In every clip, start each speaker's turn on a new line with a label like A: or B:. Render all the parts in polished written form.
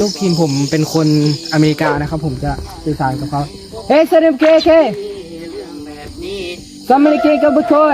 A: ลูกทีมผมเป็นคนอเมริกานะครับผมจะสื่อสารกับเขาเฮ้ยเซเลมเคซัมเมอร์เคกับบุคอย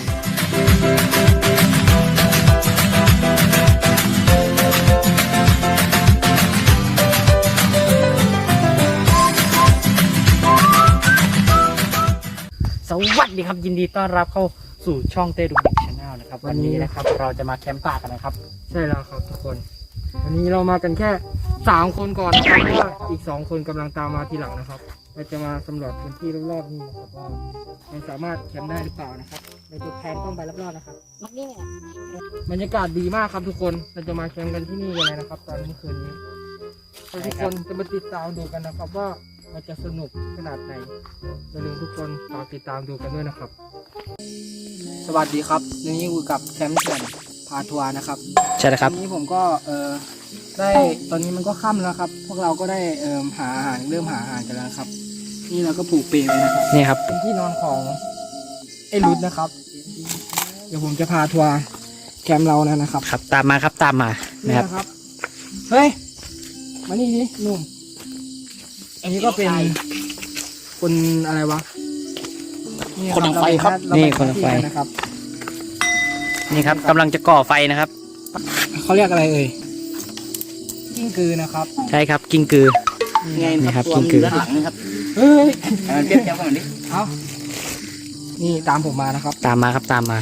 B: สวัสดีครับยินดีต้อนรับเข้าสู่ช่องเต้ดุกดิกชาแนลนะครับวันนี้นะครับเราจะมาแคมป์ป่ากันนะครับ
A: ใช่แล้วครับทุกคนวันนี้เรามากันแค่3คนก่อนนะครับเพราะว่าอีก2คนกำลังตามมาทีหลังนะครับเราจะมาสำรวจพื้นที่รอบๆนี้นะครับว่ามันสามารถแคมป์ได้หรือเปล่านะครับเราจะแพนต้องไปรอบๆนะครับบรรยากาศดีมากครับทุกคนเราจะมาแคมป์กันที่นี่กันเลยนะครับตอนเมื่อคืนนี้ทุกคนจะมาติดตามดูกันนะครับว่ามันจะสนุกขนาดไหนอย่าลืมทุกคนฝากติดตามดูกันด้วยนะครับสวัสดีครับวันนี้อยู่กับแคมป์เถื่อนพาทัวร์นะครับ
B: ใช่แล้วครับ
A: วันนี้ผมก็ได้ตอนนี้มันก็ค่ำแล้วครับพวกเราก็ได้หาอาหารเริ่มหาอาหารกันแล้วครับนี่เราก็ผูกเปลไว้นะครับ
B: นี่ครับ
A: เป็นที่นอนของไอ้รุดนะครับเดี๋ยวผมจะพาทัวร์แคมป์เรานะครับ
B: ครับตามมาครับตามมา
A: นี่นะครับเฮ้ยมานี่ดิหนุ่มอันนี้ก็เป็นคนอะไรวะ
B: คนไฟครับนี่คนไฟ
A: นะครับ
B: นี่ครับกำลังจะก่อไฟนะครับ
A: เขาเรียกอะไรกิ้งกือนะครับ
B: ใช่ครับกิ้งกือนี่ครับกิ้งกือ
A: หลังนะครับเฮ้ยเทียบกันดิเอานี่ตามผมมานะครับ
B: ตามมาครับตามมา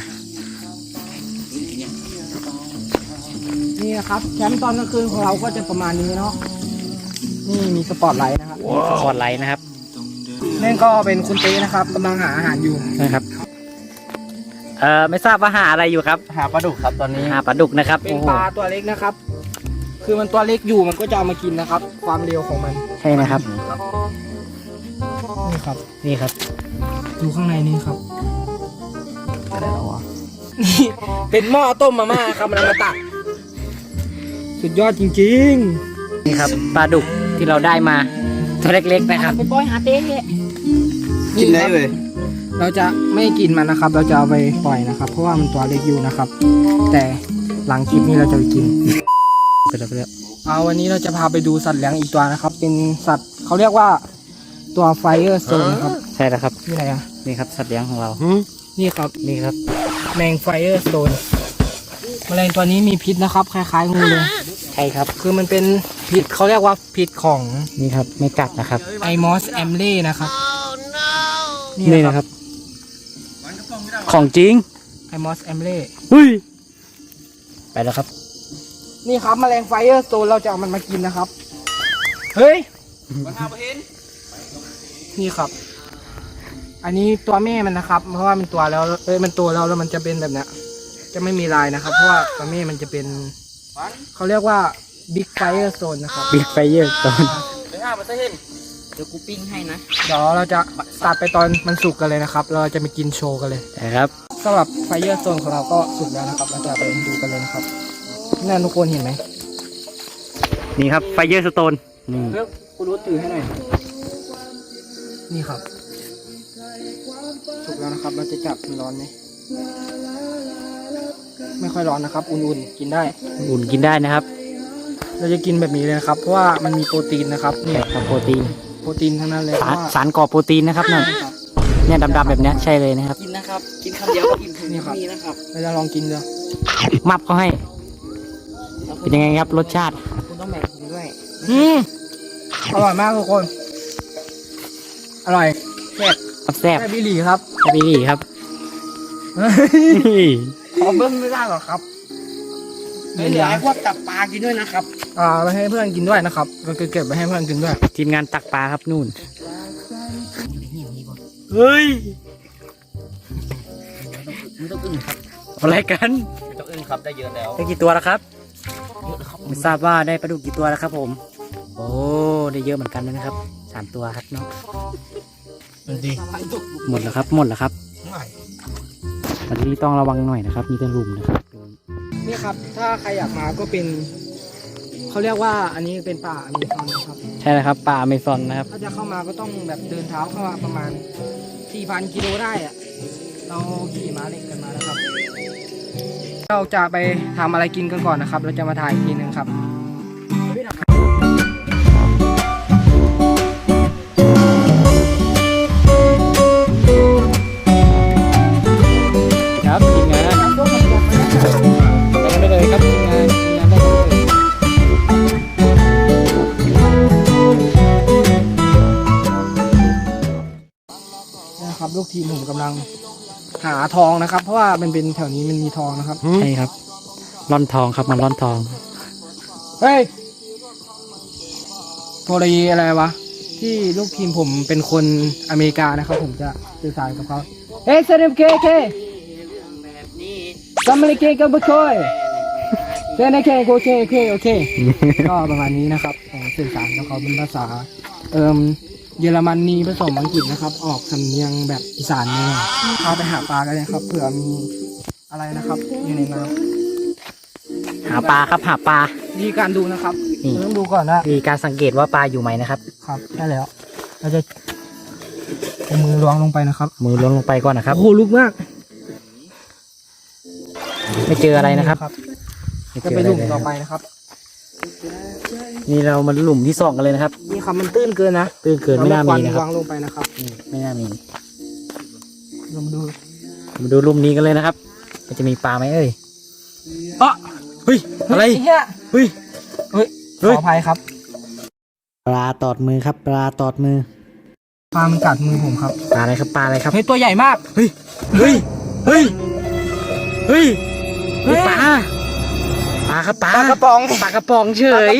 A: นี่นะครับแคมป์ตอนกลางคืนของเราก็จะประมาณนี้เนาะนี่มีสปอตไลท์นะครับ
B: สปอตไลท์นะครับ
A: นั่นก็เป็นคุณเต้นะครับกำลังหาอาหารอยู่
B: นะครับไม่ทราบว่าหาอะไรอยู่ครับ
A: หาปลาดุกครับตอนนี้
B: หาปลาดุกนะครับ
A: เป็นปลาตัวเล็กนะครับคือมันตัวเล็กอยู่มันก็จะเอามากินนะครับ ความเร็วของมัน
B: ใช่นะครับ
A: นี่ครับ
B: นี่ครับ
A: ดูข้างในนี่ครับอะไรหรอวะนี่เป็นหม้อต้มมาม่าครับมันมาตักสุดยอดจริง
B: ๆนี่ครับปลาดุกที่เราได้มาตัวเล็กๆนะครับ
A: ไปปล่อยหาเต้กินได้เลยเราจะไม่กินมันนะครับเราจะเอาไปปล่อยนะครับเพราะว่ามันตัวเล็กอยู่นะครับแต่หลังคลิปนี้เราจะไปกิน
B: ไปแล้ว
A: วันนี้เราจะพาไปดูสัตว์เลี้ยงอีกตัวนะครับเป็นสัตว์เขาเรียกว่าตัวไฟเออร์โซนนะครับ
B: ใช่แล้วครับ
A: นี่อะไร
B: นี่ครับสัตว์เลี้ยงของเรา
A: นี่ครับ
B: นี่ครับ
A: แมงไฟเออร์โซนแมลงตัวนี้มีพิษนะครับคล้ายๆงูเลย
B: ใช่ครับ
A: คือมันเป็นพิษเขาเรียกว่าพิษของ
B: นี่ครับไม่กัดนะครับ
A: ไอมอสแอมเล่นะครับ
B: นี่นะครับของจริง
A: ไอมอสแอมเล่
B: ไปแล้วครับ
A: นี่ครับแมลงไฟเออร์โซนเราจะเอามันมากินนะครับเฮ้ยนี่ครับอันนี้ตัวแม่มันนะครับเพราะว่ามันตัวแล้วมันตัวแล้วมันจะเป็นแบบนี้จะไม่มีลายนะครับเพราะว่าตัวแม่มันจะเป็นเขาเรียกว่าบิ๊กไฟเออร์โซนนะครับ
B: บิ๊กไฟเออร์โซน
A: เดี๋ยวกูปิ้งให้นะเดี๋ยวเราจะตัดไปตอนมันสุกกันเลยนะครับเราจะไปกินโชว์กันเลย
B: นะครับ
A: สำหรับไฟเออร์โซนของเราก็สุกแล้วนะครับเราจะไปดูกันเลยนะครับนั่นทุกคนเห็นไหม
B: นี่ครับไฟเออร์สโตน
A: นี่เลือกกูรู้ถือให้หน่อยนี่ครับสุกแล้วนะครับเราจะจับมันร้อนไหมไม่ค่อยร้อนนะครับอุ่นๆกินได้
B: อุ่นกินได้นะครับ
A: เราจะกินแบบนี้เลยนะครับเพราะว่ามันมีโปรตีนนะครับนี่
B: ครับโปรตีน
A: ทั้งนั้นเลย
B: สารก่อโปรตีนนะครับนั่นเนี่ยดำๆแบบนี้ใช่เลยนะครับ
A: กินนะครับกินคำเดียวก็อิ่มนี่ครับเราจะลองกินดู
B: มับเขาให้เป็นยังไงครับรสชาติ
A: คุณต้องแบ่งกินด้วยอร่อยมากทุกคนอร่อย
B: แซ่บ
A: บิลลี่ครับ
B: บิลลี่ครับ
A: ขอเบิ้งไม่ได้หรอครับไม่เหลือให้พวกจับปลากินด้วยนะครับไปให้เพื่อนกินด้วยนะครับเราเก็บไปให้เพื่อนกินด้วย
B: ทีมงานตักปลาครับนู่นเฮ้ย
A: ไม่ต้องอึ้งครับ
B: อะไรกัน
A: ไม่ต้องอึ้งครับได้เยอะแล้ว
B: ได้กี่ตัวแล้วครับไม่ทราบว่าได้ปลาดุกกี่ตัวแล้วครับผมโอ้ได้เยอะเหมือนกันนะครับ3 ตัวครับเนาะหมดแล้วครับวันนี้ต้องระวังหน่อยนะครับมีแต่ลุมนะครับ
A: นี่ครับถ้าใครอยากมาก็เป็นเขาเรียกว่าอันนี้เป็นป่าอเมซอนนะครับ
B: ใช่แล้วครับป่าอเมซอนนะครับ
A: ถ้าจะเข้ามาก็ต้องแบบเดินเท้าเข้ามาประมาณ 4,000 กิโลได้อะเราขี่ม้าเหล็กกันมาแล้วครับเราจะไปทำอะไรกินกันก่อนนะครับเราจะมาถ่ายอีกทีนึงครับลูกทีมผมกำลังหาทองนะครับ เพราะว่ามันเป็นแถวนี้มันมีทองนะครับ
B: ใช่ครับร่อนทองครับมันร่อนทอง
A: เฮ้ยโทรยีอะไรวะที่ลูกทีมผมเป็นคนอเมริกานะครับ ผมจะสื่อสารกับเขาเฮ้ยเซเลมเคซัมเมอร์เคกับบุคอยเซนเคโอเคก็ประมาณนี้นะครับผมสื่อสารกับเขาเป็นภาษาเยอรมันนีผสมอังกฤษนะครับ ออกสำเนียงแบบอีสานเนี่ยพาไปหาปลากันเลยครับเผื่อมีอะไรนะครับอยู่ในน้ำ
B: หาปลาครับหาปลา
A: วิธีการดูนะครับ
B: นี่
A: เราต้องดูก่อนนะ
B: มีการสังเกตว่าปลาอยู่ไหมนะครับ
A: ครับใช่แล้วเราจะเอามือล้วงลงไปนะครับ
B: มือล้วงลงไปก่อนนะครับ
A: โอ้โหลุกมาก
B: ไม่เจออะไรนะครับ ไม่
A: จะ
B: เจอ
A: ไป
B: อะไร
A: หลุม
B: เลย
A: ต่อไปนะครับ
B: นี่เรามาหลุมที่สองกันเลยนะครับ
A: นี่ครับมันตื้นเกินนะ
B: ตื้นเกินไม่น่ามีนะค
A: วา
B: รับ
A: งลงไปนะครับ
B: นี่ไม่น่ามี
A: ลองดู
B: มาดูหลุมนี้กันเลยนะครับมันจะมีปลาไหมเอ่ยอ๊ะเฮ้ยอะไร
A: เฮ้ย
B: เฮ้ย
A: เฮ้ย
B: เฮ้ย
A: ขออภัยครับ
B: ปลาตอดมือครับ ปลาตอดมือ
A: ปลามันกัดมือผมครับ
B: ปลาอะไรครับปลาอะไรครับ
A: เฮ้ยตัวใหญ่มาก
B: เฮ้ยเฮ้ยเฮ้ยเฮ้ย
A: เฮ้ย
B: ปลาปลาครับปลา
A: ปลากระป๋อง
B: ปลากระป๋องเฉย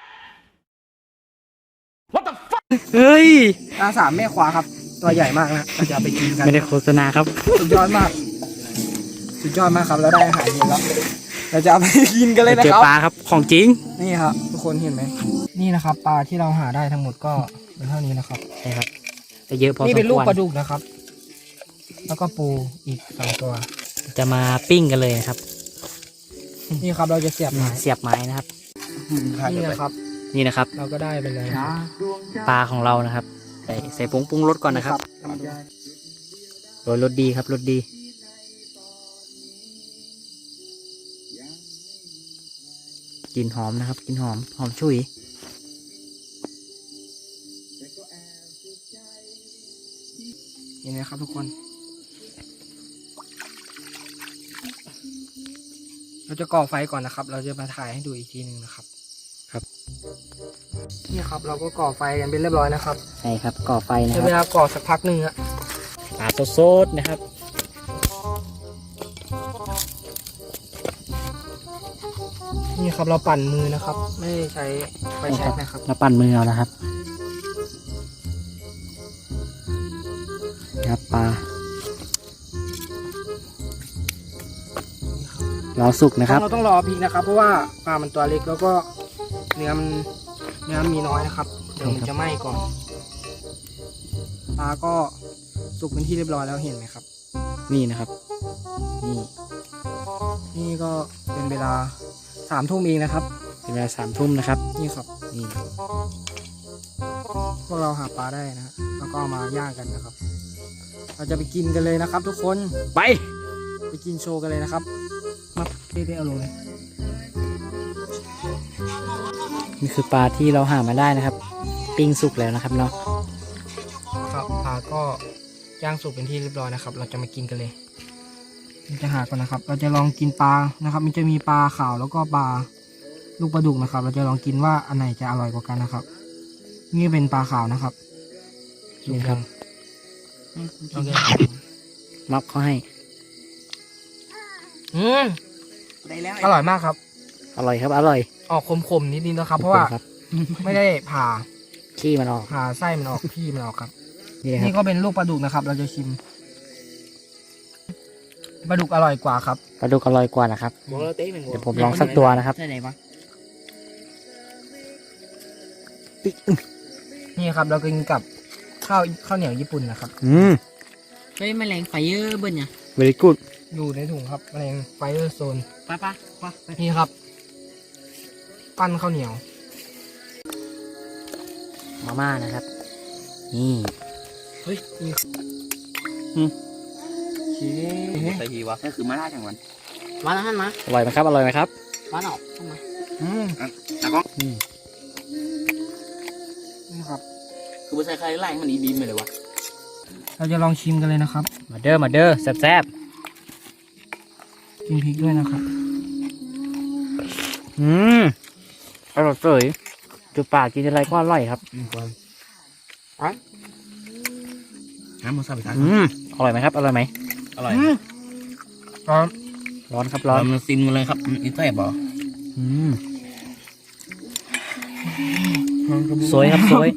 B: เฮ้ย
A: ปลาสามแม่ขวาครับ ตัวใหญ่มากนะเราจะเอาไปกินกัน
B: ไม่ได้โฆษณาครับ
A: สุดยอดมากสุดยอดมากครับเราได้อาหารเย็นแล้วเราจะเอาไปกินกันเลยนะ
B: เจอ
A: ครับ
B: ปลาครับของจริง
A: นี่ครับทุกคนเห็นไหมนี่นะครับปลาที่เราหาได้ทั้งหมดก็เป็นเท่านี้นะครับ
B: ใช่ครับแต่เยอะพอสมควร
A: นี่เป็นลูกปลาดุกนะครับ แล้วก็ปูอีก2 ตัว
B: จะมาปิ้งกันเลยนะครับ
A: นี่ครับเราจะเสียบไม้
B: เสียบไม้นะครับ
A: นี่นะครับ
B: นี่นะครับ
A: เราก็ได้ไปเลยนะครับ
B: ปลาของเรานะครับใส่ผงปรุงรสก่อนนะครับโรยรสดีครับรสดีกลิ่นหอมนะครับกลิ่นหอมหอมฉุย
A: เห็นไหมครับทุกคน เราจะก่อไฟก่อนนะครับ เราจะมาถ่ายให้ดูอีกทีหนึ่งนะครับ
B: ครับ
A: นี่ครับเราก็ก่อไฟกันเป็นเรียบร้อยนะครับ
B: ใช่ครับก่อไฟนะ
A: ใช้
B: ค
A: เว
B: รับ
A: ลาก่อสักพักหนึ่งอะ
B: ปลาสดๆนะครับ
A: นี่ครับเราปั่นมือนะครับ ไม่ได้ใช้ไฟแช็กนะครับ
B: เราปั่นมือเอานะครับครับปลาเราสุกนะครับ
A: เราต้องรอพริกนะครับ เพราะว่าปลามันตัวเล็กแล้วก็เนื้อมันมีน้อยนะครับเดี๋ยวมันจะไหม้ก่อนปลาก็สุกเป็นที่เรียบร้อยแล้วเห็นไหมครับ
B: นี่นะครับ นี่
A: นี่ก็เป็นเวลา3 ทุ่มเองนะครับ
B: เป็นเวลา3 ทุ่มนะครับ
A: นี่ครับ
B: นี่
A: พวกเราหาปลาได้นะฮะแล้วก็เอามาย่างกันนะครับ เราจะไปกินกันเลยนะครับ ทุกคน
B: ไป
A: ไปกินโชว์กันเลยนะครับมาได้เอาลงเลย
B: นี่คือปลาที่เราหามาได้นะครับ ปิ้งสุกแล้วนะครับเนาะ
A: ครับปลาก็ย่างสุกเป็นที่เรียบร้อยนะครับ เราจะมากินกันเลยเราจะหาก่อนนะครับ เราจะลองกินปลานะครับ มันจะมีปลาขาวแล้วก็ปลาลูกปลาดุกนะครับ เราจะลองกินว่าอันไหนจะอร่อยกว่ากันนะครับ นี่เป็นปลาขาวนะครับ
B: นี่ครับ
A: โอเค
B: ม็อกเขาให้
A: อร่อยมากครับ
B: อร่อยครับอร่อย
A: ออกขมๆนิดนึงนะครับ เพราะว่า
B: ครับ
A: ไม่ได้ผ่า
B: ขี้มันออก
A: ผ่าไส้มันออกพี่มันออกครับ
B: นี่นะค
A: นี่
B: รับ
A: ก็เป็นลูกปลาดุกนะครับ เราจะชิมปลาดุกอร่อยกว่าครับ
B: ปลาดุกอร่อยกว่านะครับ เดี๋ยวผมลองสักตัวนะครับ
A: นี่ครับ เรากินกับข้าวเหนียวญี่ปุ่นนะครับ
B: ใช้แมลงไฟเยอร์เบิ้ลเนี่ย very good
A: อยู่ในถุงครับแมลงไฟเออร์โซน
B: ป้า
A: นี่ครับ ปั้นข้าวเหนียว
B: มาม่านะครับ นี่
A: เฮ้ยนี่
B: ชี้
C: ใส่ทีวะก็คือมาล่าจังหวัน
B: มาแล้วท่านมาอร่อยไหมครับอร่อยไหมครับมาหนอกเข้ามา
C: แล้วก็
A: นี่ครับ
C: คือไม่ใช่ใครไล่มันอีบีมเลยวะ
A: เราจะลองชิมกันเลยนะครับ
B: มาเด้อแซ่บ
A: กินพริกด้วยนะครับ
B: อร่อยเฉยจุดปากกินอะไรก็อร่อยครับ
C: น้ำมันซาบิทาน
B: อร่อยไหมครับอร่อยไหม
C: อร่อย
A: ร้อน
B: ร้อนครับ
C: ร้
B: ร้
C: อ
B: อน น
C: มันซิมกันเลยครับอีแซ่บบ่
B: สวยครับสวย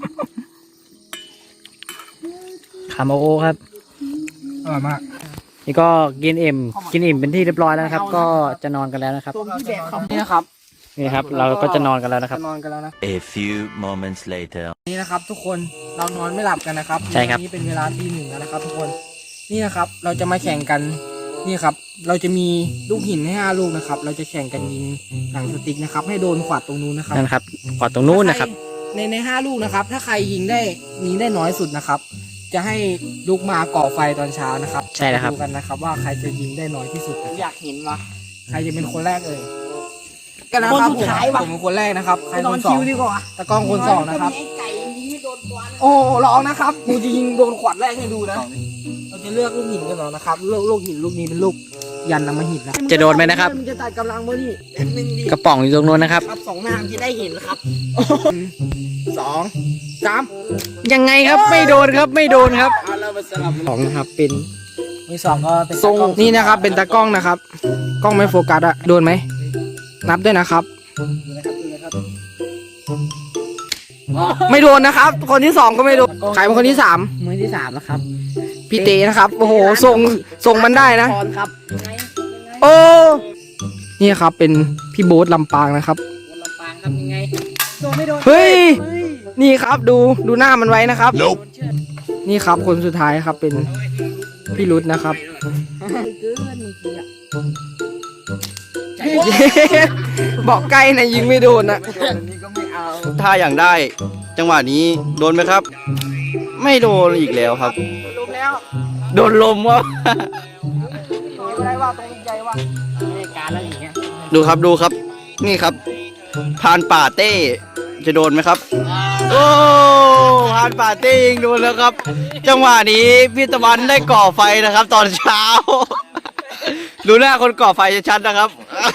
B: คาโมโอครับ
A: อร่อยมาก
B: นี่ก็กินอิ่มเป็นที่เรียบร้อยแล้วนะครับ ก็จะนอนกันแล้วนะครับ
A: นี่นะครับ
B: นี่ครับ เราก็จะนอนกันแล้วนะครับ
A: จะนอนกันแล้วนะ
D: A few moments later.
A: นี่นะครับ ทุกคนเรานอนไม่หลับกันนะครับ
B: ใช่ครับ
A: นี่เป็นเวลาตี 1แล้วนะครับ ทุกคนนี่นะครับ เราจะมาแข่งกันนี่ครับ เราจะมีลูกหินให้5 ลูกนะครับ เราจะแข่งกันยิงหนังสติ๊กนะครับ ให้โดนขวดตรงนู้นนะครับ
B: นั่นครับกอดตรงนู้นนะครับ
A: ใน5 ลูกนะครับ ถ้าใครยิงได้น้อยสุดนะครับ จะให้ลุกมาก่อไฟตอนเช้านะครับ
B: ใช่แล้วครับ
A: ดูกันนะครับ ว่าใครจะยิงได้น้อยที่สุดนะครับ
E: อยากเห็นวะ
A: ใครจะเป็นคนแรกกันนะครับ
E: คนสุดท้ายว่ะ
A: ผมเป็นคนแรกนะครับใคร
E: น
A: ค
E: อน
A: นสอ
E: คิ
A: ง
E: วดีกว่า
A: ตะกล้องคนสองนะครับ
E: ไอ้ไก่ยิงไม่โดนตัวนะ
A: โอ้ร้องนะครับกูจะยิงโดนขวดแรกให้ดูนะ เราจะเลือกลูกหินกันเหรอนะครับลูกหินลูกนี้เป็นลูกยันนำมาหินนะ
B: จะโดนไหมนะครับ
A: มันจะตัดกำลังเมื่อนี่
E: หนึ่งดี
B: กระป๋องอยู่ตรงนู้นนะครับ
E: ครับ2 หน้าที่ได้เห็นครับ
A: 2 3
B: ยังไงครับไม่โดนครับไม่โดนครับ
A: สองนะครับเป็น
E: มือ 2ก็เป็น
A: ทรงนี่นะครับ เป็นตากล้องนะครับ กล้องไม่โฟกัสอะโดนไหมนับด้วยนะครับ ไม่โดนนะครับ คนที่ 2ก็ไม่โดนใครเป็นคนที่ 3
E: มือที่3แล้วครับ
A: พี่เตนะครับโอ้โหทรงมันได้นะ
E: พรครับ
A: โอ้นี่ครับเป็นพี่โบ๊ทลำปางนะครับ
E: ลำปางครับยังไงโดนไม่โดน
A: เฮ้ย นี่ครับดูหน้ามันไว้นะครับ นี่ครับคนสุดท้ายครับเป็นพี่รุดนะครับ
E: เกินเมื่อกี้อะ
A: บอกใกล้นะยิงไม่โดนนะ
F: ถ้าอย่างได้ จังหวะนี้โดนไหมครับ ไม่โดนอีกแล้วครับ
A: ลมแล้ว
F: โดนลมวะ
A: ไม่ได้ว่าตรงใจว่า
E: ไม่การแล้วอย่างเงี้ย
F: ดูครับดูครับ นี่ครับพรานป่าเต้จะโดนไหมครับ โอ้พรานป่าเต้ยิงโดนแล้วครับ จังหวะนี้พี่ตะวันได้ก่อไฟนะครับ ตอนเช้า ดูหน้าคนก่อไฟชัดๆนะครับ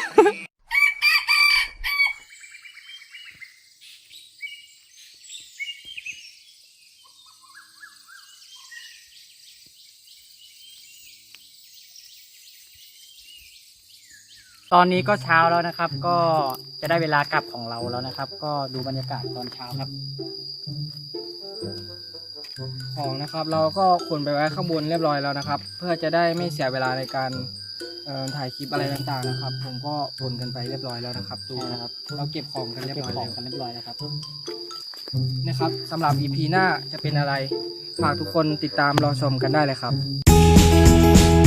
B: ตอนนี้ก็เช้าแล้วนะครับ ก็จะได้เวลากลับของเราแล้วนะครับ ก็ดูบรรยากาศตอนเช้าครับ
A: ของนะครับ เราก็ขนไปไว้ข้างบนเรียบร้อยแล้วนะครับ เพื่อจะได้ไม่เสียเวลาในการถ่ายคลิปอะไรต่างๆนะครับ ผมก็ขนกันไปเรียบร้อยแล้วนะครับดูนะครับ เราเก็บของกันเรียบ
B: เก็บ
A: ร้อย
B: ของ
A: แล้ว
B: กันเรียบร้อยแล้วครับ
A: นะครับสำหรับ EP หน้าจะเป็นอะไรฝากทุกคนติดตามรอชมกันได้เลยครับ